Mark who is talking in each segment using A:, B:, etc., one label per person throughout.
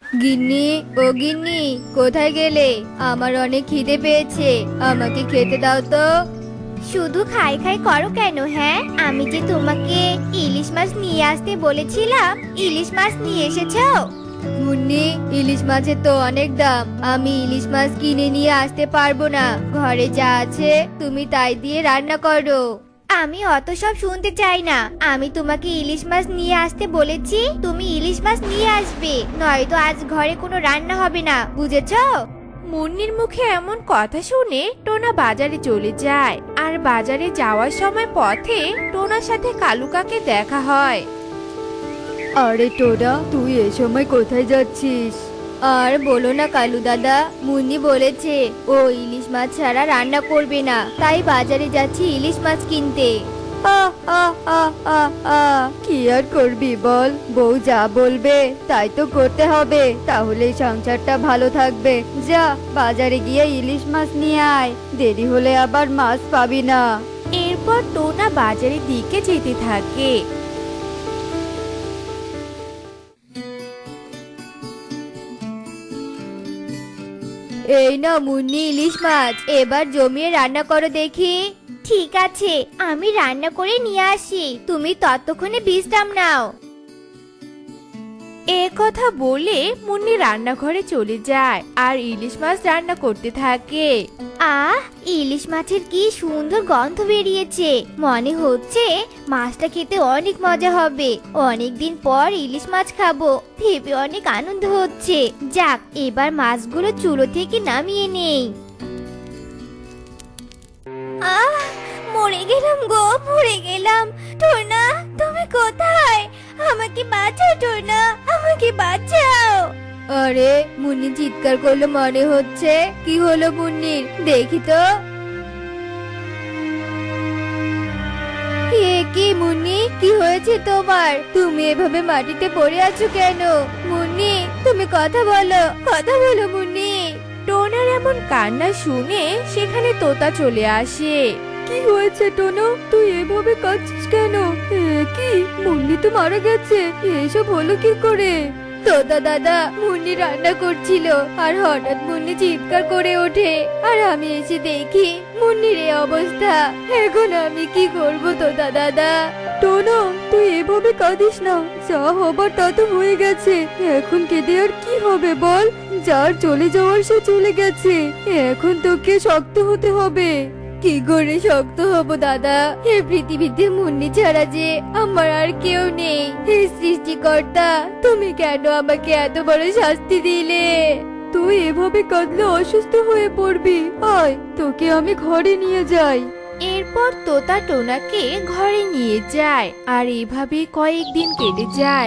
A: গিন্নি, ও গিন্নি, কোথায় গেলে? আমার অনেক খিদে পেয়েছে, আমাকে খেতে দাও তো।
B: শুধু খাই খাই করো কেন? হ্যাঁ, আমি যে তোমাকে ইলিশ মাছ নিয়ে আসতে বলেছিলাম, ইলিশ মাছ নিয়ে এসেছো?
A: মুন্নি, ইলিশ মাছের তো অনেক দাম, আমি ইলিশ মাছ কিনে নিয়ে আসতে পারবো না। ঘরে যা আছে তুমি তাই দিয়ে রান্না করো।
B: আমি অত সব শুনতে চাই না। আমি তোমাকে ইলিশ মাছ নিয়ে আসতে বলেছি, তুমি ইলিশ মাছ নিয়ে আসবে, নয়তো আজ ঘরে কোনো রান্না হবে না, বুঝেছো?
C: মুন্নির মুখে এমন কথা শুনে টোনা বাজারে চলে যায়। আর বাজারে যাওয়ার সময় পথে টোনার সাথে কালু কাকে দেখা হয়।
A: আরে টোনা, তুই এ সময় কোথায় যাচ্ছিস? আর বলো না কালু দাদা, মুন্নি বলেছে ও ইলিশ মাছ ছাড়া রান্না করবে না, তাই বাজারে যাচ্ছি ইলিশ মাছ কিনতে। কি আর করবি বল, বউ যা বলবে তাই তো করতে হবে, তাহলে সংসারটা ভালো থাকবে। যা বাজারে গিয়ে ইলিশ মাছ নিয়ে আয়, দেরি হলে আবার মাছ পাবি না।
C: এরপর টোনা বাজারের দিকে যেতে থাকে।
A: এই না মুন্নি, ইলিশ মাছ এবার জমিয়ে রান্না করো দেখি।
B: ঠিক আছে, আমি রান্না করে নিয়ে আসি, তুমি ততক্ষণে বিশ্রাম নাও।
C: এ কথা বলে মুন্নি রান্নাঘরে চলে যায় আর ইলিশ মাছ রান্না করতে থাকে।
B: আহ, ইলিশ মাছের কি সুন্দর গন্ধ বেরিয়েছে, মনে হচ্ছে মাছটা খেতে অনেক মজা হবে। অনেকদিন পর ইলিশ মাছ খাবো, ভেবে অনেক আনন্দ হচ্ছে। যাক, এবার মাছগুলো চুলো থেকে নামিয়ে নেই। আহ, মরে গেলাম গো, মরে গেলাম। টোনা, তুমি কোথায়? আমাকে বাঁচাও টোনা, আমাকে বাঁচাও।
A: আরে মুন্নি চিৎকার করলো মনে হচ্ছে, কি হলো মুন্নির, দেখি তো। এ কি মুন্নি, কি হয়েছে তোমার? তুমি এভাবে মাটিতে পড়ে আছো কেন? মুন্নি, তুমি কথা বলো, কথা বলো মুন্নি।
C: টোনার এমন কান্না শুনে সেখানে তোতা চলে আসে।
A: কি হয়েছে টোনো, তুই এভাবে কাঁদছিস কেন? কি, মুন্নি তো মারা গেছে, এসব হলো কি করে? তোতা দাদা, মুন্নি রান্না করছিল আর হঠাৎ মুন্নি চিৎকার করে ওঠে, আর আমি এসে দেখি মুন্নির এই অবস্থা। এখন আমি কি করব তোতা দাদা? টোনো, তুই এভাবে কাঁদিস না, যা হবার তা তো হয়ে গেছে, এখন কেঁদে আর কি হবে বল? যার চলে যাওয়ার সে চলে গেছে, এখন তোকে শক্ত হতে হবে। কি করে শক্ত হব দাদা? এই পৃথিবীতে মুন্নি ছাড়া যে আমার আর কেউ নেই। হে সৃষ্টিকর্তা, তুমি কেন আমাকে এত বড় শাস্তি দিলে? তুই এভাবে কাঁদলে অসুস্থ হয়ে পড়বি, আয় তোকে আমি ঘরে নিয়ে যাই।
C: এরপর তোতা টোনাকে ঘরে নিয়ে যায় আর এভাবে কয়েকদিন কেটে যায়।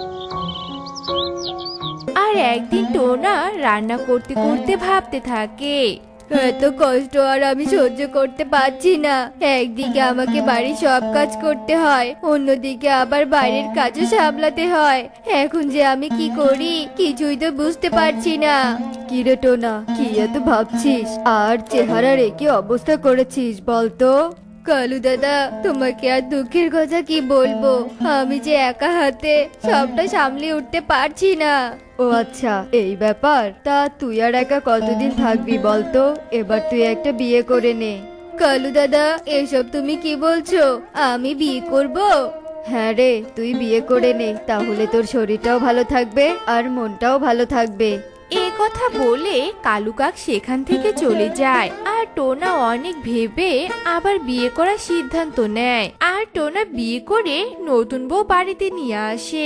C: আর একদিন টোনা রান্না করতে করতে ভাবতে থাকে,
A: এত কষ্ট আর আমি সহ্য করতে পারছি না। একদিকে আমাকে বাড়ির সব কাজ করতে হয়, অন্যদিকে আবার বাইরের কাজও সামলাতে হয়। এখন যে আমি কি করি কিছুই তো বুঝতে পারছি না। কি রে টোনা, কি এত ভাবছিস আর চেহারা রেখে অবস্থা করেছিস বলতো? কালু দাদা, তোমাকে আর দুঃখের কথা কি বলবো, আমি যে একা হাতে সবটা সামলে উঠতে পারছি না। ও আচ্ছা, এই ব্যাপার। তা তুই আর একা কতদিন থাকবি বলতো? এবার তুই একটা বিয়ে করে নে। কালু দাদা, এসব তুমি কি বলছো? আমি বিয়ে করব? হ্যাঁ রে, তুই বিয়ে করে নে, তাহলে তোর শরীরটাও ভালো থাকবে আর মনটাও ভালো থাকবে।
C: এ কথা বলে কালু কাক সেখান থেকে চলে যায়। আর টোনা অনেক ভেবে আবার বিয়ে করার সিদ্ধান্ত নেয়। আর টোনা বিয়ে করে নতুন বউ বাড়িতে নিয়ে আসে।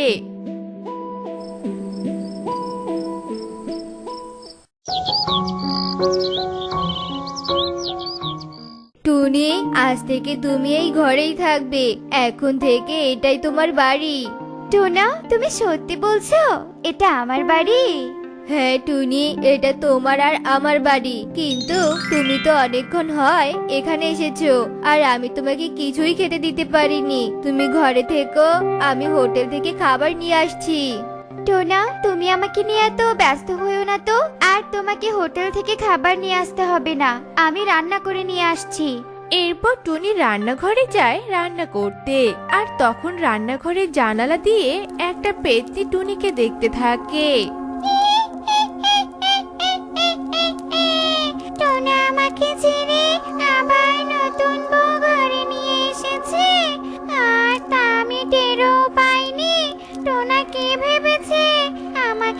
A: টুনি, আজ থেকে তুমি এই ঘরেই থাকবে, এখন থেকে এটাই তোমার বাড়ি।
B: টোনা, তুমি সত্যি বলছো এটা আমার বাড়ি?
A: হ্যাঁ টুনি, এটা তোমার আর আমার বাড়ি, কিন্তু তুমি তো অনেকক্ষণ হয় এখানে এসেছো আর আমি তোমাকে কিছুই খেতে দিতে পারিনি। তুমি ঘরে থেকো, আমি হোটেল থেকে খাবার নিয়ে আসছি।
B: টোনা, তুমি আমাকে নিয়ে এত ব্যস্ত হইও না তো, আর তোমাকে হোটেল থেকে খাবার নিয়ে আসতে হবে না, আমি রান্না করে নিয়ে আসছি।
C: এরপর টুনি রান্নাঘরে যায় রান্না করতে। আর তখন রান্নাঘরের জানালা দিয়ে একটা পেতনি টুনিকে দেখতে থাকে।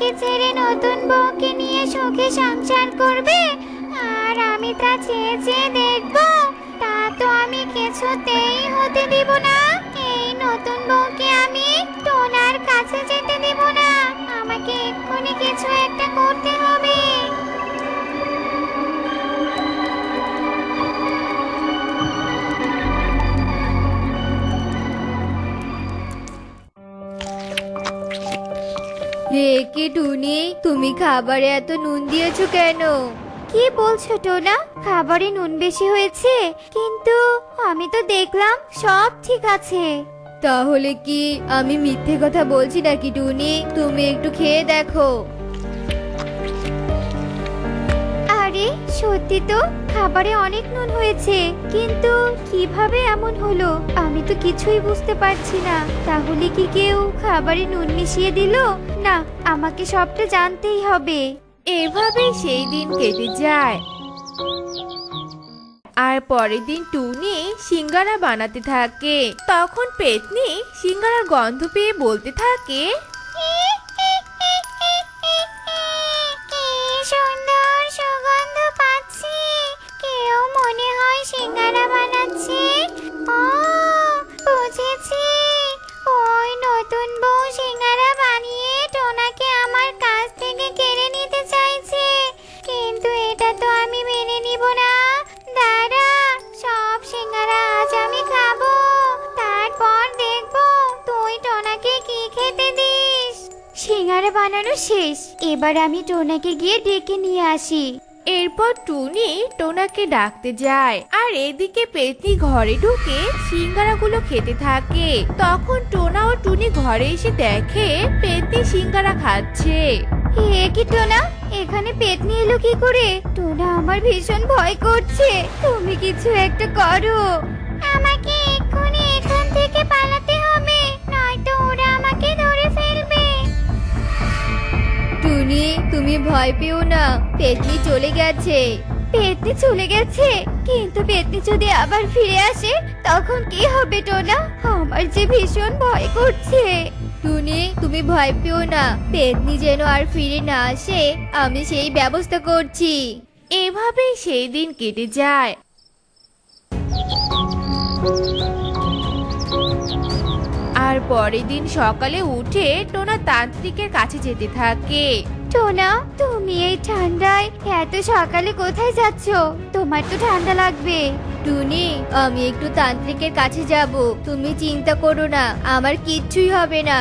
B: আমাকে ছেড়ে নতুন বউকে নিয়ে সুখে সংসার করবে আর আমি তা চেয়ে চেয়ে দেখবো? তা তো আমি কিছুতেই হতে দিব না। এই নতুন বউকে আমি টোনার কাছে যেতে দেব না। আমাকে এক্ষুনি কিছু একটা করতে হবে।
A: হে কি টুনি, তুমি খাবারে এত নুন দিয়েছো কেন?
B: কি বলছো টোনা? খাবারে নুন বেশি হয়েছে, কিন্তু আমি তো দেখলাম সব ঠিক আছে।
A: তাহলে কি আমি মিথ্যে কথা বলছি নাকি টুনি? তুমি একটু খেয়ে দেখো।
B: আরে সত্যি তো খাবারে অনেক নুন হয়েছে, কিন্তু কিভাবে এমন হলো আমি তো কিছুই বুঝতে পারছি না। তাহলে কি কেউ খাবারে নুন মিশিয়ে দিল? না, আমাকে সবটা জানতেই হবে।
C: এভাবে সেই দিন কেটে যায়। আর পরের দিন টুনি সিঙ্গারা বানাতে থাকে। তখন পেতনি সিঙ্গারার গন্ধ পেয়ে বলতে থাকে,
B: কি সুন্দর সুগন্ধ পাচ্ছি। কেউ মনে হয় সিঙ্গারা বানাচ্ছে। ও বুঝেছি, ওই নতুন বউ সিঙ্গারা বানিয়ে টোনাকে আমার কাছ থেকে কেড়ে নিতে চাইছে। কিন্তু এটা তো আমি মেনে নিব না। দাঁড়া, সব সিঙ্গারা আজ আমি খাবো, তারপর দেখবো তুই টোনাকে কি খেতে দিস। সিঙ্গারা বানানো শেষ, এবার আমি টোনাকে গিয়ে ডেকে নিয়ে আসি।
C: এরপর টুনি টোনাকে ডাকতে যায় আর এদিকে পেতনি ঘরে ঢুকে সিঙ্গারাগুলো খেতে থাকে। তখন টোনা ও টুনি ঘরে এসে দেখে পেতনি সিঙ্গারা খাচ্ছে।
B: এ কি টোনা, এখানে পেতনি এলো কি করে? টোনা, আমার ভীষণ ভয় করছে, তুমি কিছু একটা করো। আমাকে এক্ষুনি এখান থেকে পালাতে হবে, নয়তো ওরা আমাকে ধরে ফেলবে।
A: টুনি, তুমি ভয় পেও না, পেতনি চলে গেছে।
B: পেতনি চলে গেছে? কিন্তু পেতনি যদি আবার ফিরে আসে তখন কি হবে টোনা? আমার যে ভীষণ ভয় করছে।
A: টুনি, তুমি ভয় পেও না, পেতনি যেন আর ফিরে না আসে আমি সেই ব্যবস্থা করছি।
C: এভাবেই সেই দিন কেটে যায়। আর পরের দিন সকালে উঠে টোনা তান্ত্রিকের কাছে যেতে থাকে।
B: টোনা, তুমি এই ঠান্ডায় এত সকালে কোথায় যাচ্ছ? তোমার তো ঠান্ডা লাগবে।
A: টুনি, আমি একটু তান্ত্রিকের কাছে যাব, তুমি চিন্তা করো না, আমার কিচ্ছুই হবে না।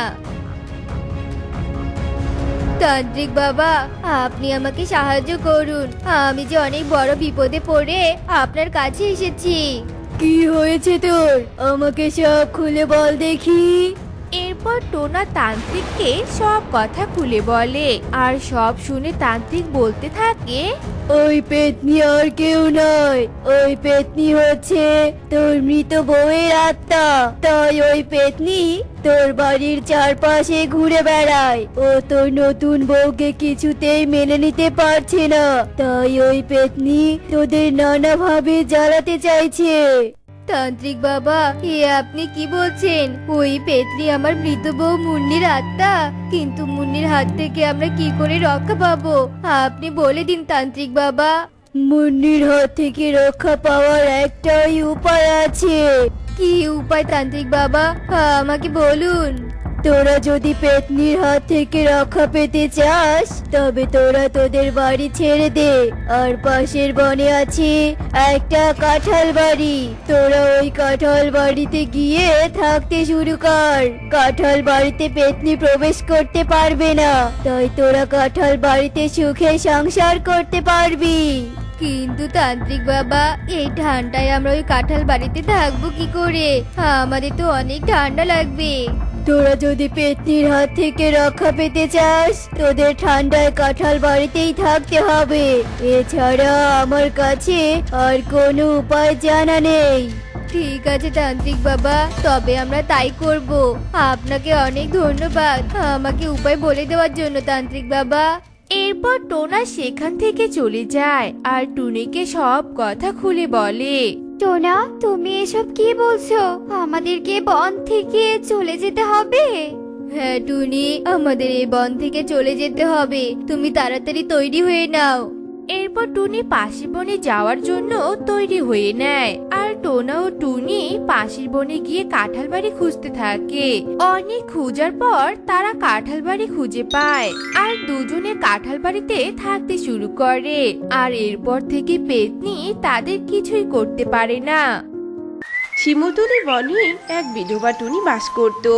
A: তান্ত্রিক বাবা, আপনি আমাকে সাহায্য করুন, আমি যে অনেক বড় বিপদে পড়ে আপনার কাছে এসেছি। কি হয়েছে তোর? আমাকে সব খুলে বল দেখি।
C: এরপর টোনা তান্ত্রিককে সব কথা খুলে বলে আর সব শুনে তান্ত্রিক বলতে থাকে,
A: ওই পেতনি আর কেউ নয়, ওই পেতনি হচ্ছে তোর মৃত বউয়ের আত্মা। তাই ওই পেতনি তোর বাড়ির চারপাশে ঘুরে বেড়ায়। ও তোর নতুন বউকে কিছুতেই মেনে নিতে পারছে না, তাই ওই পেতনি তোদের নানাভাবে জ্বালাতে চাইছে। তান্ত্রিক বাবা, এ আপনি কি বলছেন? ওই পেতনি আমার মৃত বউ মুন্নির আত্মা, কিন্তু মুন্নির হাত থেকে আমরা কি করে রক্ষা পাবো? আপনি বলে দিন তান্ত্রিক বাবা। মুন্নির হাত থেকে রক্ষা পাওয়ার একটাই উপায় আছে। কি উপায় তান্ত্রিক বাবা? আমাকে বলুন। তোরা যদি পেতনির হাত থেকে রক্ষা পেতে চাস তবে তোরা তোদের বাড়ি ছেড়ে দে, আর পাশের বনে আছে একটা কাঁঠাল বাড়ি, তোরা ওই কাঁঠাল বাড়িতে গিয়ে থাকতে শুরু কর। কাঁঠাল বাড়িতে পেতনি প্রবেশ করতে পারবে না, তাই তোরা কাঁঠাল বাড়িতে সুখে সংসার করতে পারবি। কিন্তু তান্ত্রিক বাবা, এই ঠান্ডায় আমরা ওই কাঁঠাল বাড়িতে থাকবো কি করে? আমাদের তো অনেক ঠান্ডা লাগবে। তোরা যদি পেতনির হাত থেকে রক্ষা পেতে চাস তোদের ঠান্ডায় কাঁঠাল বাড়িতেই থাকতে হবে, এছাড়া আমার কাছে আর কোনো উপায় জানা নেই। ঠিক আছে তান্ত্রিক বাবা, তবে আমরা তাই করব। আপনাকে অনেক ধন্যবাদ আমাকে উপায় বলে দেওয়ার জন্য তান্ত্রিক বাবা।
C: এরপর টোনা সেখান থেকে চলে যায় আর টুনিকে সব কথা খুলে বলে।
B: টোনা, তুমি এসব কি বলছো? আমাদেরকে বন থেকে চলে যেতে হবে?
A: হ্যাঁ টুনি, আমাদের এই বন থেকে চলে যেতে হবে, তুমি তাড়াতাড়ি তৈরি হয়ে নাও।
C: এরপর টুনি পাশের বনে যাওয়ার জন্য তৈরি হয়ে নেয় আর টোনা ও টুনি পাশের বনে গিয়ে কাঁঠাল বাড়ি খুঁজতে থাকে। অনেক খোঁজার পর তারা কাঁঠাল বাড়ি খুঁজে পায় আর দুজনে কাঁঠাল বাড়িতে থাকতে শুরু করে। আর এরপর থেকে পেতনি তাদের কিছুই করতে পারে না।
D: শিমুলতলি বনে এক বিধবা টুনি বাস করত।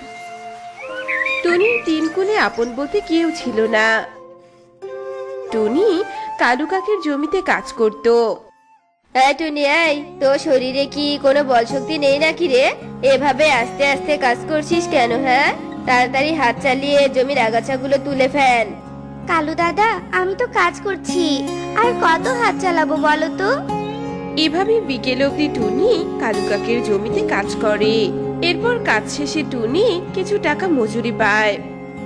D: টুনির তিন কুলে আপন বলতে কেউ ছিল না। টুনি কালু কাকের জমিতে কাজ করত।
A: টুনি, এই তোর শরীরে কি কোনো বল শক্তি নেই নাকি রে? এভাবে আস্তে আস্তে কাজ করছিস কেন? হ্যাঁ, তাড়াতাড়ি হাত চালিয়ে জমির আগাছাগুলো তুলে ফেল।
B: কালু দাদা, আমি তো কাজ করছি, আর কত হাত চালাবো বলো তো?
D: এভাবে বিকেল অবধি টুনি কালু কাকের জমিতে কাজ করে। এরপর কাজ শেষে টুনি কিছু টাকা মজুরি পায়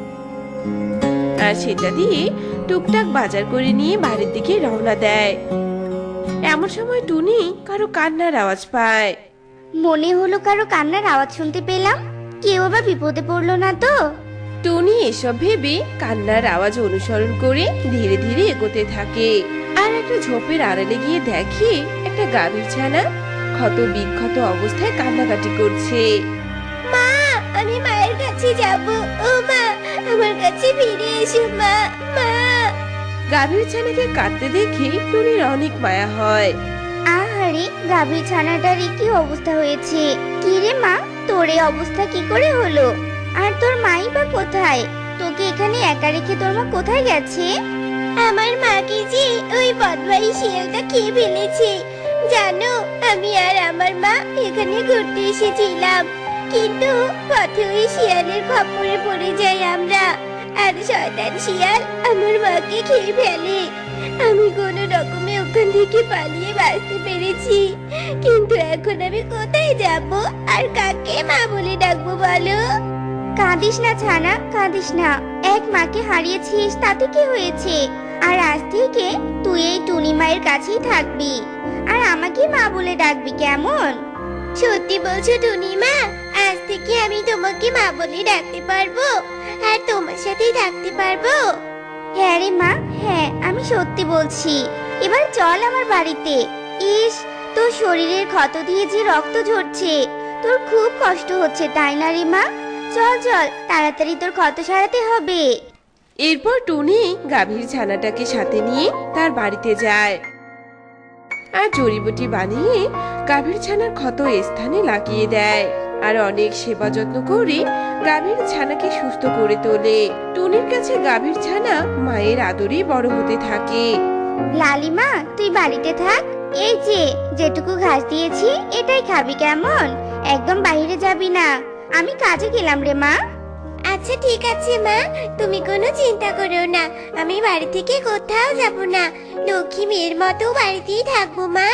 D: আর সেটা দিয়ে টুকটাক বাজার করে নিয়ে বাড়ির দিকে রওনা দেয়। এমন সময় টুনি কারো কান্নার আওয়াজ পায়।
B: মনে হলো কারো কান্নার আওয়াজ শুনতে পেলাম। কেউ আবার বিপদে পড়লো না তো?
D: টুনি এসব ভেবে কান্নার আওয়াজ অনুসরণ করে ধীরে ধীরে এগোতে থাকে আর একটা ঝোপের আড়ালে গিয়ে দেখে একটা গাভীর ছানা ক্ষত বিক্ষত অবস্থায় কান্নাকাটি করছে।
B: মা, আমি মায়ের কাছে যাব। ও মা, আমার কাছে ফিরে এসো মা। মা।
D: গাভীর ছানাকে কাঁদতে দেখে টুনির অনেক মায়া হয়।
B: আহারে, গাভীর ছানাটার কি অবস্থা হয়েছে? কি রে মা, তোর এই অবস্থা কি করে হলো? আর তোর মাই বা কোথায়? তোকে এখানে একা রেখে তোর মা কোথায় গেছে? আমার মাকে যে ওই বদমাইশ শিয়ালটা খেয়ে ফেলেছে। জানো, আমি আর আমার মা এখানে ঘুরতে এসেছিলাম, কিন্তু পথে ওই শিয়ালের খপ্পরে পড়ে যাই আমরা। আর শয়তান শিয়াল আমার মাকে খেয়ে ফেলে। আমি কোনো রকমে ওখান থেকে পালিয়ে বাঁচতে পেরেছি, কিন্তু এখন আমি কোথায় যাব আর কাকে মা বলে ডাকবো বলো? কাঁদিস না ছানা, কাঁদিস না। এক মাকে হারিয়েছিস, তাতে কি হয়েছে? আর আজ থেকে তুই এই টুনি মায়ের কাছেই থাকবি আর আমাকে মা বলে ডাকবি, কেমন? সত্যি বলছো টুনি মা? আজ থেকে আমি তোমাকে মা বলে ডাকতে পারবো আর তোমার সাথেই থাকতে পারবো? হ্যাঁ রে মা, হ্যাঁ, আমি সত্যি বলছি। এবার চল আমার বাড়িতে। ইস, তোর শরীরের ক্ষত দিয়ে যে রক্ত ঝরছে, তোর খুব কষ্ট হচ্ছে তাই না রে মা? চল চল, তাড়াতাড়ি তোর ক্ষত সারাতে হবে।
D: এরপর টুনি গাভীর ছানাটাকে সাথে নিয়ে তার বাড়িতে যায় আর জড়িবুটি বানিয়ে গাভীর ছানার ক্ষত স্থানে লাগিয়ে দেয় আর অনেক সেবা যত্ন করে গাভীর ছানাকে সুস্থ করে তোলে। টুনির কাছে গাভীর ছানা মায়ের আদরে বড় হতে থাকে।
B: লালিমা, তুই বাড়িতে থাক। এই যে যেটুকু ঘাস দিয়েছি এটাই খাবি, কেমন? একদম বাইরে যাবি না। আমি কাজে গেলাম রে মা। আচ্ছা ঠিক আছে মা, তুমি কোনো চিন্তা করো না। আমি বাড়ি থেকে কোথাও যাব না, লক্ষ্মী মেয়ের মতো বাড়িতেই থাকবো মা।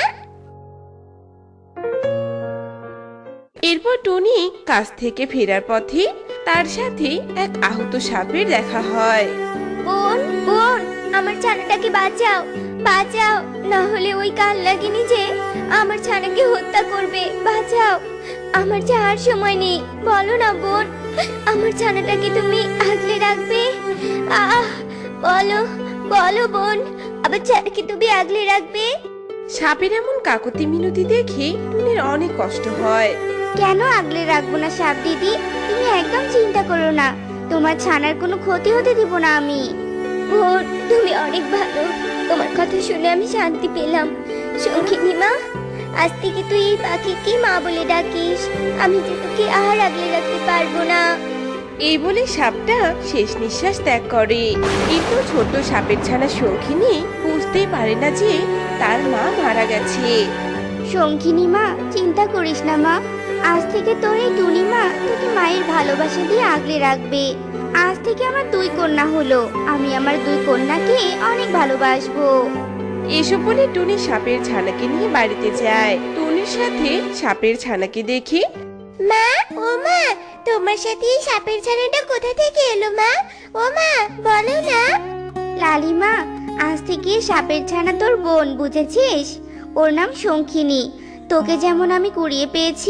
D: এরপর টুনি কাজ থেকে ফেরার পথে তার সাথে এক আহত সাপের দেখা হয়।
B: বোন, বোন, আমার ছানাটাকে বাঁচাও, বাঁচাও, না হলে ওই কাল লাগিনি যে আমার ছানাকে হত্যা করবে। বাঁচাও, আমার যাওয়ার সময় নেই। বলো না বোন, আমার ছানাটাকে তুমি আগলে রাখবে? আহ, বলো বলো বোন, আমার ছানাকে তুমি আগলে রাখবে?
D: সাপের এমন কাকতি মিনতি দেখে টুনির অনেক কষ্ট হয়।
B: কেন আগলে রাখবো না সাপ দিদি? তুমি একদম চিন্তা করো না, তোমার ছানার কোনো ক্ষতি হতে দিব না আমি। বোন, তুমি অনেক ভালো, তোমার কথা শুনে আমি শান্তি পেলাম। শঙ্খিনী মা, আজ থেকে তুই এই পাখিকে মা বলে ডাকিস। আমি যে তোকে আর আগলে রাখতে পারবো না।
D: এই বলে সাপটা শেষ নিঃশ্বাস ত্যাগ করে। কিন্তু ছোট সাপের ছানা শঙ্খিনী বুঝতেই পারে না যে তার মা মারা গেছে।
B: শঙ্খিনী মা, চিন্তা করিস না মা। আজ থেকে তোর এই টুনি মা তোকে মায়ের ভালোবাসা দিয়ে আগলে রাখবে। আজ থেকে আমার দুই কন্যা হলো, আমি আমার দুই কন্যাকে অনেক ভালোবাসবো।
D: এসব বলে টুনি সাপের ছানাকে নিয়ে বাড়িতে যায়। টুনির সাথে সাপের ছানাকে দেখে,
B: মা, ও মা, তোমার সাথে এই সাপের ছানাটা কোথা থেকে এলো মা? ও মা, বলো না। লালিমা, আজ থেকে সাপের ছানা তোর বোন, বুঝেছিস? ওর নাম শঙ্খিনী। তোকে যেমন আমি কুড়িয়ে পেয়েছি,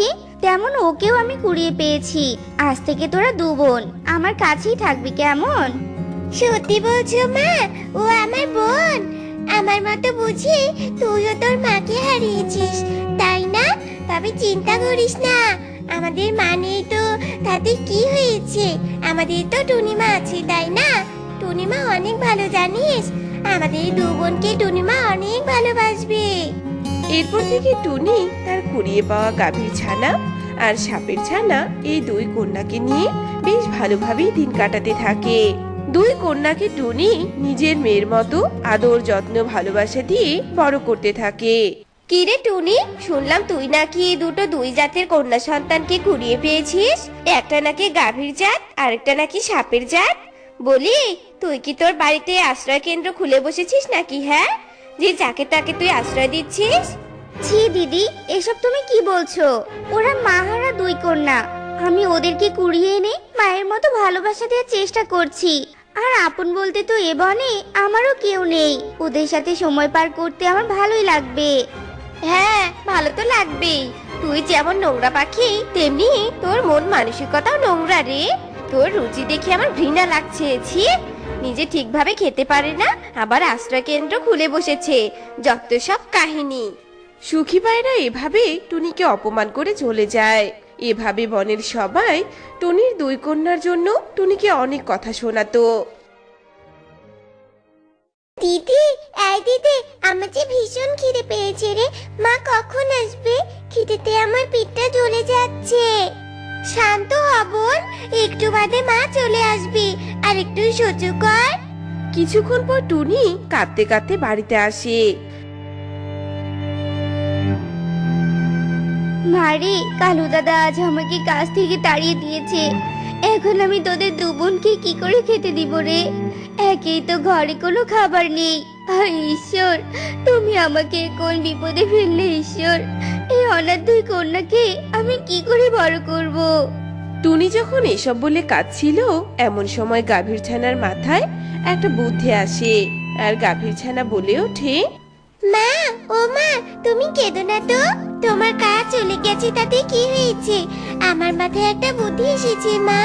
B: তেমন ওকেও আমি কুড়িয়ে পেয়েছি। আজ থেকে তোরা দু বোন আমার কাছেই থাকবি, কেমন? সত্যি বলছো মা? ও আমার বোন? আমার মতো বুঝি তুইও তোর মাকে হারিয়েছিস, তাই না? তবে চিন্তা করিস না, আমাদের মা নেই তো তাতে কি হয়েছে? আমাদের তো টুনিমা আছে, তাই না? টুনিমা অনেক ভালো, জানিস? আমাদের দু বোনকে টুনিমা অনেক ভালোবাসবে।
D: এরপর থেকে টুনি তার কুড়িয়ে পাওয়া গাভীর ছানা আর সাপের ছানা এই দুই কন্যাকে নিয়ে বেশ ভালোভাবেই দিন কাটাতে থাকে। দুই কন্যাকে টুনি নিজের মেয়ের মতো আদর যত্ন ভালোবাসা দিয়ে বড় করতে থাকে।
B: কি রে টুনি, শুনলাম তুই নাকি দুই জাতের কন্যা সন্তানকে কুড়িয়ে পেয়েছিস। একটা নাকি গাভীর জাত, আরেকটা নাকি সাপের জাত। বলি, তুই কি তোর বাড়িতে আশ্রয় কেন্দ্র খুলে বসেছিস নাকি? হ্যাঁ, যে যাকে তাকে তুই আশ্রয় দিচ্ছিস? ছি দিদি, এসব তুমি কি বলছো? ওরা মাহারা দুই কন্যা, আমি ওদেরকে কুড়িয়ে এনে মায়ের মতো ভালোবাসা দেওয়ার চেষ্টা করছি। আর আপন বলতে তো এ বনে আমারও কেউ নেই। ওদের সাথে সময় পার করতে আমার ভালোই লাগবে। হ্যাঁ, ভালো তো লাগবেই। তুই যেমন নোংরা পাখি, তেমনি তোর মন মানসিকতাও নোংরা রে। তোর রুচি দেখে আমার ঘৃণা লাগছে। ছি, নিজে ঠিকভাবে খেতে পারে না, আবার আশ্রয় কেন্দ্র খুলে বসেছে। যত সব কাহিনী।
D: সুখী পায়রা এভাবে টুনিকে অপমান করে চলে যায়। এভাবে বনের সবাই টুনির দুই কন্যার জন্য টুনিকে অনেক কথা শোনাতো।
B: দিদি, এই দিদি, আমার যে ভীষণ খিদে পেয়েছে রে। মা কখন আসবে? খিদেতে আমার পেটটা জ্বলে যাচ্ছে। শান্ত হ বোন, একটু বাদে মা চলে আসবে, আর একটু সহ্য কর।
D: কিছুক্ষণ পর টুনি কাঁদতে কাঁদতে বাড়িতে আসে।
B: মারে, কালু দাদা আজ আমাকে কাজ থেকে তাড়িয়ে দিয়েছে। এখন আমি তোদের দু বোনকে কি করে খেতে দিব রে? একেই তো ঘরে কোনো খাবার নেই। হায় ঈশ্বর, তুমি আমাকে কোন বিপদে ফেললে ঈশ্বর। এই অনাথ দুই কন্যাকে আমি কি করে বড় করব?
D: টুনি যখন এসব বলে কাঁদছিল, এমন সময় গাভীর ছানার মাথায় একটা বুদ্ধি আসে। আর গাভীর ছানা বলে ওঠে,
B: মা, ও মা, তুমি কেঁদো না তো। তোমার কাজ চলে গেছে, তাতে কি হয়েছে? আমার মাথায় একটা বুদ্ধি এসেছে মা।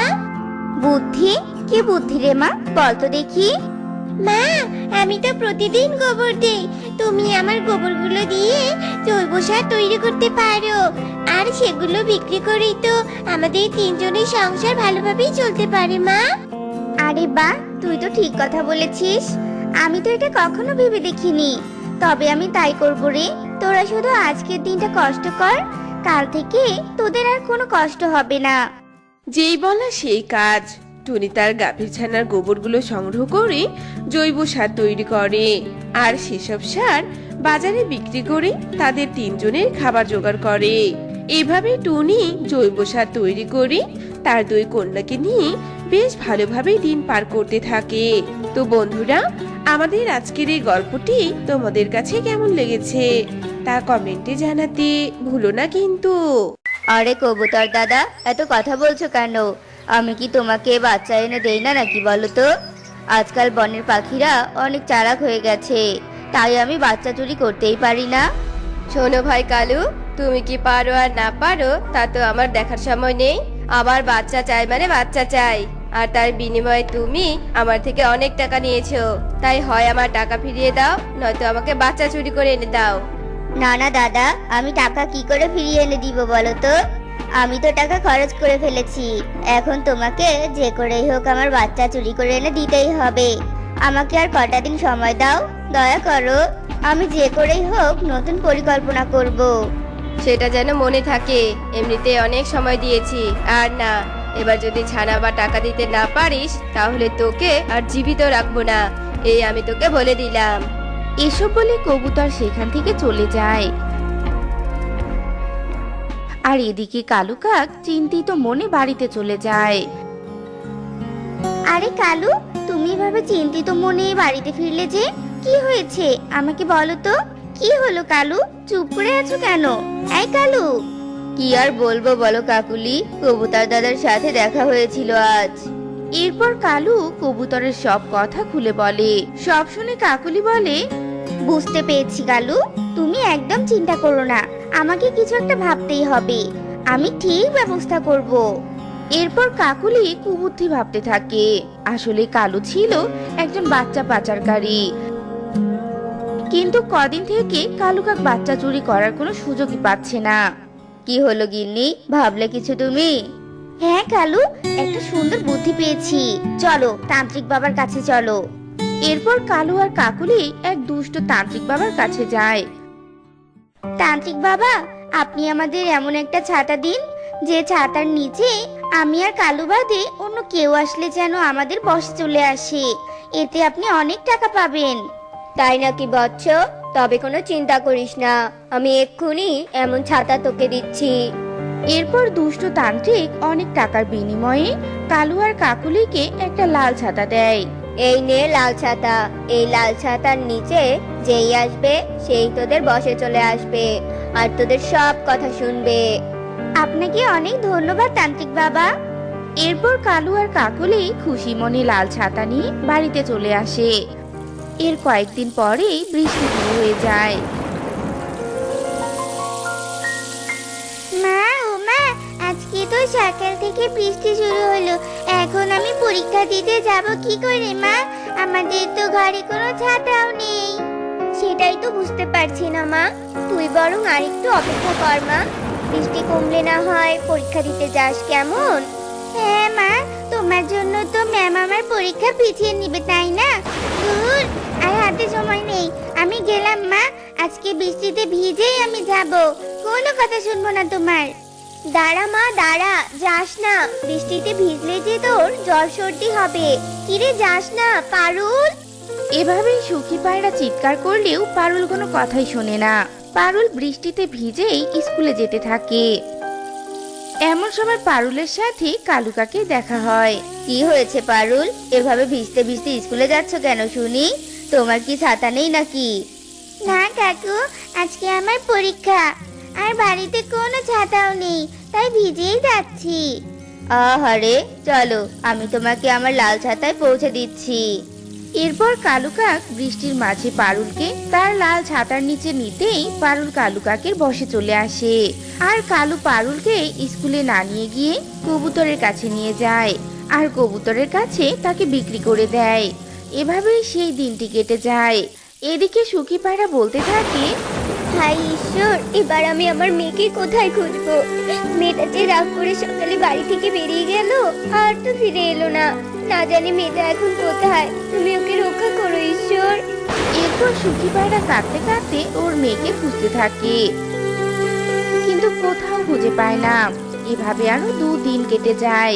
B: বুদ্ধি? কি বুদ্ধি রে মা, বল তো দেখি। মা, আমি তো প্রতিদিন গোবর দেই। তুমি আমার গোবরগুলো দিয়ে জৈব সার তৈরি করতে পারো, আর সেগুলো বিক্রি করেই তো আমাদের তিনজনের সংসার ভালোভাবেই চলতে পারে মা। আরে বাহ, তুই তো ঠিক কথা বলেছিস। আমি তো এটা কখনো ভেবে দেখিনি। তবে আমি তাই করব রে। তোরা শুধু আজকের দিনটা কষ্ট কর, কাল থেকে তোদের আর কোনো কষ্ট হবে না।
D: যেই বলা সেই কাজ। টুনি তার গাভীর ছানার গোবরগুলো সংগ্রহ করে জৈব সার তৈরি করে, আর সেসব সার বাজারে বিক্রি করে তাদের তিনজনের খাবার জোগাড় করে। এভাবে টুনি জৈব সার তৈরি করে তার দুই কন্যাকে নিয়ে বেশ ভালোভাবে দিন পার করতে থাকে। তো বন্ধুরা, আমাদের আজকের এই গল্পটি তোমাদের কাছে কেমন লেগেছে তা কমেন্টে জানাতে ভুলো না কিন্তু।
B: আরে কবুতর দাদা, এত কথা বলছো কেন? আমি কি তোমাকে বাচ্চা এনে দেই না নাকি বলো তো? আজকাল বনের পাখিরা অনেক চালাক হয়ে গেছে, তাই আমি বাচ্চা চুরি করতেই পারি না।
A: শোনো ভাই কালু, তুমি কি পারো আর না পারো তা তো আমার দেখার সময় নেই। আমার বাচ্চা চাই মানে বাচ্চা চাই, আর তার বিনিময়ে তুমি আমার থেকে অনেক টাকা নিয়েছো। তাই হয় আমার টাকা ফিরিয়ে দাও, নয়তো আমাকে বাচ্চা চুরি করে এনে দাও।
B: না না দাদা, আমি টাকা কি করে ফিরিয়ে এনে দিব বলো তো? আমি তো টাকা খরচ করে ফেলেছি। এখন তোমাকে যে করেই হোক আমার বাচ্চা চুরি করে এনে দিতেই হবে। আমাকে আর কটা দিন সময় দাও, দয়া করো। আমি যে করেই হোক নতুন পরিকল্পনা করব।
A: সেটা যেন মনে থাকে, এমনিতে অনেক সময় দিয়েছি। আর না, এবার যদি ছানা বা টাকা দিতে না পারিস তাহলে তোকে আর জীবিত রাখবো না, এই আমি তোকে বলে দিলাম।
C: এসব বলে কবুতর সেখান থেকে চলে যায়। আর এদিকে কালু কাক চিন্তিত মনে বাড়িতে চলে যায়।
B: আরে কালু, তুমি এভাবে চিন্তিত মনে বাড়িতে ফিরলে যে? কি হয়েছে আমাকে বলো তো। কি হলো কালু, চুপ করে আছো কেন? এই কালু। কি আর বলবো বলো কাকুলি, কবুতর দাদার সাথে দেখা হয়েছিল আজ।
C: এরপর কালু কবুতরের সব কথা খুলে বলে। সব শুনে কাকুলি বলে,
B: বুঝতে পেরেছি কালু, তুমি একদম চিন্তা করো না। আমাকে কিছু একটা ভাবতেই হবে। আমি ঠিক ব্যবস্থা করব।
E: এরপর কাকুলি কুবুদ্ধি ভাবতে থাকে। আসলে কালু ছিল একজন বাচ্চা পাচারকারী, কিন্তু কদিন থেকে কালু কাক বাচ্চা চুরি করার কোনো সুযোগই পাচ্ছে না।
B: কি হলো গিন্নি, ভাবলে কিছু তুমি? হ্যাঁ কালু, একটা সুন্দর বুদ্ধি পেয়েছি। চলো তান্ত্রিক বাবার কাছে চলো।
E: এরপর কালু আর কাকুলি এক দুষ্ট তান্ত্রিক বাবার কাছে যায়।
B: তান্ত্রিক বাবা, আপনি আমাদের এমন একটা ছাতা দিন, যে ছাতার নিচে আমি আর কালু বাদে অন্য কেউ আসলে যেন আমাদের বশে চলে আসে। এতে আপনি অনেক টাকা পাবেন। তাই নাকি বৎস? তবে কোনো চিন্তা করিস না, আমি এক্ষুনি এমন ছাতা তোকে দিচ্ছি।
E: এরপর দুষ্ট তান্ত্রিক অনেক টাকার বিনিময়ে কালু আর কাকুলিকে একটা লাল ছাতা দেয়।
B: এই নে লাল ছাতা, এই লাল ছাতার নিচে যেই আসবে সেই তোদের বশে চলে আসবে আর তোদের সব কথা শুনবে। আপনাকে অনেক ধন্যবাদ তান্ত্রিক বাবা।
E: এরপর কালু আর কাকুলি খুশি মনে লাল ছাতা নিয়ে বাড়িতে চলে আসে। এর কয়েকদিন পরেই বৃষ্টি শুরু হয়ে যায়।
B: মা ও মা, আজকে তো সকাল থেকে বৃষ্টি শুরু হলো, এখন আমি পরীক্ষা দিতে যাব কি করে মা? আমাদের তো ঘরে কোনো ছাতাও নেই। সেটাই তো বুঝতে পারছি না মা, তুই বরং আরেকটু অপেক্ষা কর মা, বৃষ্টি কমলে না হয় পরীক্ষা দিতে যাস, কেমন? হ্যাঁ মা, তোমার জন্য তো ম্যাম আমার পরীক্ষা পিছিয়ে নিবে তাই না? দূর, আর হাতে সময় নেই, আমি গেলাম মা, আজকে বৃষ্টিতে ভিজেই আমি যাব, কোনো কথা শুনবো না তোমার। দাঁড়া মা দাঁড়া, যাস না, বৃষ্টিতে ভিজলে যে তোর জ্বর সর্দি হবে। কিরে যাস না পারুল?
E: এভাবেই সুখী পায়রা চিৎকার করলেও পারুল কোনো কথাই শোনে না। পারুল বৃষ্টিতে ভিজেই স্কুলে যেতে থাকে। এমন সময় পারুলের সাথে কালু কাকের দেখা হয়।
B: কি হয়েছে পারুল, এভাবে ভিজতে ভিজতে স্কুলে যাচ্ছ কেন শুনি? তোমার কি ছাতা নেই নাকি? না কাকু, আজকে আমার পরীক্ষা, আর বাড়িতে কোনো ছাতাও নেই, তাই ভিজেই যাচ্ছি। আহারে, চলো আমি তোমাকে আমার লাল ছাতায় পৌঁছে দিচ্ছি।
E: এরপর কালু কাক বৃষ্টির মাঝে পারুলকে তার লাল ছাতার নিচে নিতেই পারুল কালু কাকের বসে চলে আসে। আর কালু পারুলকে স্কুলে না নিয়ে গিয়ে কবুতরের কাছে নিয়ে যায়, আর কবুতরের কাছে তাকে বিক্রি করে দেয়। এভাবেই সেই দিনটি কেটে যায়। এদিকে সুখী পায়রা বলতে থাকে,
B: হাই ঈশ্বর, এবার আমি আমার মেয়েকে কোথায় খুঁজবো? মেয়েটা যে রাগ করে সকালে বাড়ি থেকে বেরিয়ে গেল, আর তো ফিরে এলো না, না জানি মেয়েটা এখন কোথায়, তুমি ওকে রক্ষা করো ঈশ্বর।
E: এরপর সুখী পায়রা কাঁদতে কাঁদতে ওর মেয়েকে খুঁজতে থাকে, কিন্তু কোথাও খুঁজে পায় না। এভাবে আরো 2 দিন কেটে যায়।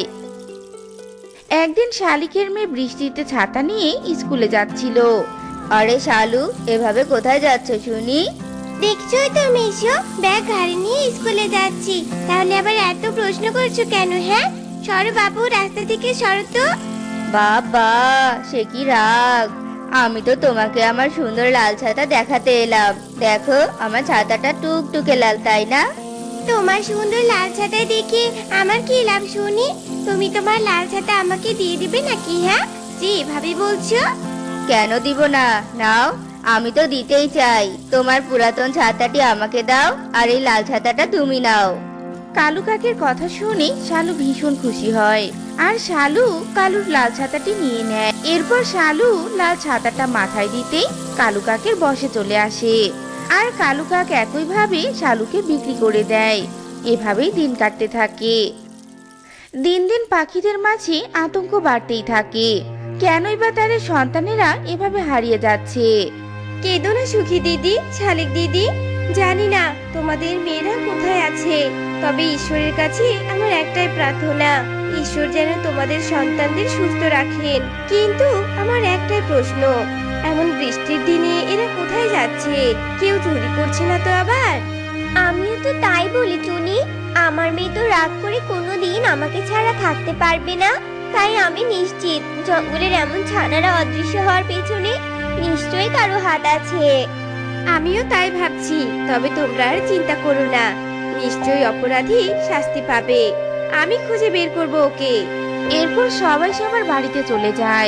E: একদিন শালিকের মেয়ে বৃষ্টিতে ছাতা নিয়ে স্কুলে যাচ্ছিল।
B: আরে শালু, এভাবে কোথায় যাচ্ছ শুনি? দেখছোই তো মেশো, ব্যাগ ঘাড়ে নিয়ে স্কুলে যাচ্ছি, তাহলে আবার এত প্রশ্ন করছো কেন? হ্যাঁ, সরো বাবু, রাস্তা থেকে সরো তো। বাবা, সে কি রাগ! আমি তো তোমাকে আমার সুন্দর লাল ছাতা দেখাতে এলাম, দেখো আমার ছাতাটা টুকটুকে লাল, তাই না? তোমার সুন্দর লাল ছাতা দেখে আমার কি লাভ শুনি? তুমি তোমার লাল ছাতা আমাকে দিয়ে দিবে নাকি? হ্যাঁ, যে এভাবে বলছো। কেন দিব না, নাও, আমি তো দিতেই চাই। তোমার পুরাতন ছাতাটি আমাকে দাও, আর এই লাল ছাতাটা তুমি নাও।
E: কালু কাকের কথা শুনে শালু ভীষণ খুশি হয়, আর শালু কালুর লাল ছাতাটি নিয়ে নেয়। এরপর শালু লাল ছাতাটা মাথায় দিতেই কালু কাকের বসে চলে আসে, আর কালু কাক একইভাবে শালুকে বিক্রি করে দেয়। এভাবেই দিন কাটতে থাকে। দিন দিন পাখিদের মাঝে আতঙ্ক বাড়তেই থাকে। কেনই বা তাদের সন্তানেরা এভাবে হারিয়ে যাচ্ছে?
A: কেঁদো না সুখী দিদি, শালিক দিদি, জানি না তোমাদের মেয়েরা কোথায় আছে, তবে ঈশ্বরের কাছে আমার একটাই প্রার্থনা, ঈশ্বর যেন তোমাদের সন্তানদের সুস্থ রাখেন। কিন্তু আমার একটাই প্রশ্ন, এমন বৃষ্টির দিনে এরা কোথায় যাচ্ছে? কেউ চুরি করছে না তো আবার?
B: আমিও তো তাই বলি টুনি, আমার মেয়ে তো রাগ করে কোনোদিন আমাকে ছাড়া থাকতে পারবে না, তাই আমি নিশ্চিত জঙ্গলের এমন ছানারা অদৃশ্য হওয়ার পেছনে নিশ্চয়ই কারো হাত আছে।
A: আমিও তাই ভাবছি, তবে তোমরা আর চিন্তা করো না, নিশ্চয়ই অপরাধী শাস্তি পাবে, আমি খুঁজে বের করব ওকে।
E: এরপর সবাই সবার বাড়িতে চলে যায়।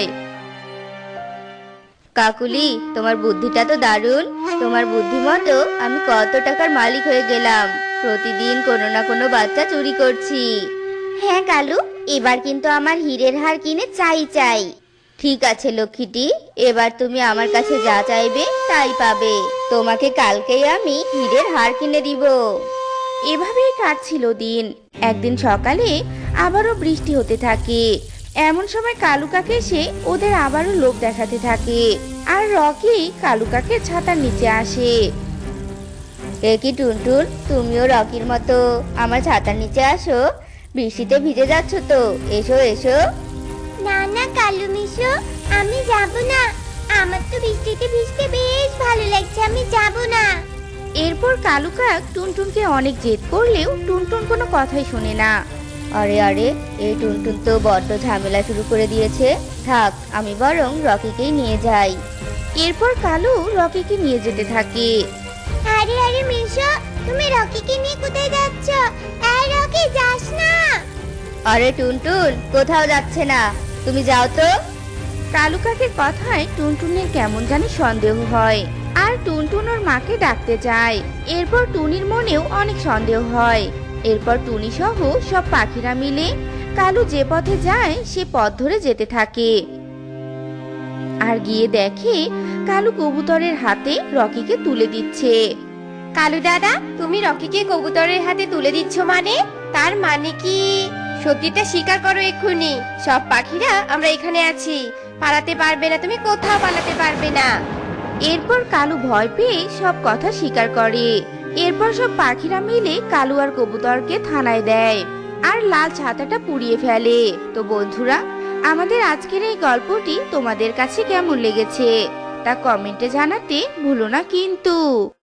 B: কাকুলি, তোমার বুদ্ধিটা তো দারুণ, তোমার বুদ্ধি মতো আমি কত টাকার মালিক হয়ে গেলাম।
E: প্রতিদিন কোনো না কোনো বাচ্চা চুরি করছি। হ্যাঁ কালু, এবার কিন্তু আমার হীরের হার কিনে চাই চাই। ঠিক আছে লক্ষ্মীটি, এবার তুমি আমার কাছে যা চাইবে তাই পাবে। তোমাকে কালকেই আমি হীরের হার কিনে দিব। এভাবেই কাটছিল দিন। একদিন সকালে আবারও বৃষ্টি হতে থাকে। এমন সময় কালু কাক এসে ওদের আবারও লোভ দেখাতে থাকে। আর রকি কালু কাকের ছাতার নিচে আসে। এ কি টুনটুন, তুমিও রকির মতো আমার ছাতার নিচে আসো? বৃষ্টিতে ভিজে যাচ্ছ তো, এসো এসো।
B: না না কালু মিশো, আমি যাব না। আমার তো বৃষ্টিতে ভিজতে বেশ ভালো লাগছে, আমি যাব না।
E: এরপর কালু কাক টুনটুনকে অনেক জেদ করলেও টুনটুন কোনো কথাই শোনে না। আরে আরে, এই টুনটুন তো বড্ড ঝামেলা শুরু করে দিয়েছে। থাক, আমি বরং রকিকেই নিয়ে যাই। এরপর কালু রকিকে নিয়ে যেতে থাকে।
B: আরে আরে মিশো, তুমি রকিকে নিয়ে কোথায় যাচ্ছ? এই রকি, যাস না।
E: আরে টুনটুন কোথাও যাচ্ছে না, তুমি যাও তো। কালু কাকের কথায় টুনটুনের কেমন জানি সন্দেহ হয়। আর টুনটুন ওর মাকে ডাকতে যায়। এরপর টুনির মনেও অনেক সন্দেহ হয়। এরপর টুনি সহ সব পাখিরা মিলে কালু যে পথে যায় সে পথ ধরে যেতে থাকে। আর গিয়ে দেখে কালু কবুতরের হাতে রকিকে তুলে দিচ্ছে।
A: কালু দাদা, তুমি রকিকে কবুতরের হাতে তুলে দিচ্ছ মানে? তার মানে কি? সত্যিটা স্বীকার করো এক্ষুনি। সব পাখিরা আমরা এখানে আছি, পালাতে পারবে না, তুমি কোথাও পালাতে পারবে না।
E: এরপর কালু ভয় পেয়ে সব কথা স্বীকার করে। এরপর সব পাখিরা মিলে কালু আর কবুতরকে থানায় দেয় আর লাল ছাতাটা পুড়িয়ে ফেলে। তো বন্ধুরা, আমাদের আজকের এই গল্পটি তোমাদের কাছে কেমন লেগেছে তা কমেন্টে জানাতে ভুলো না কিন্তু।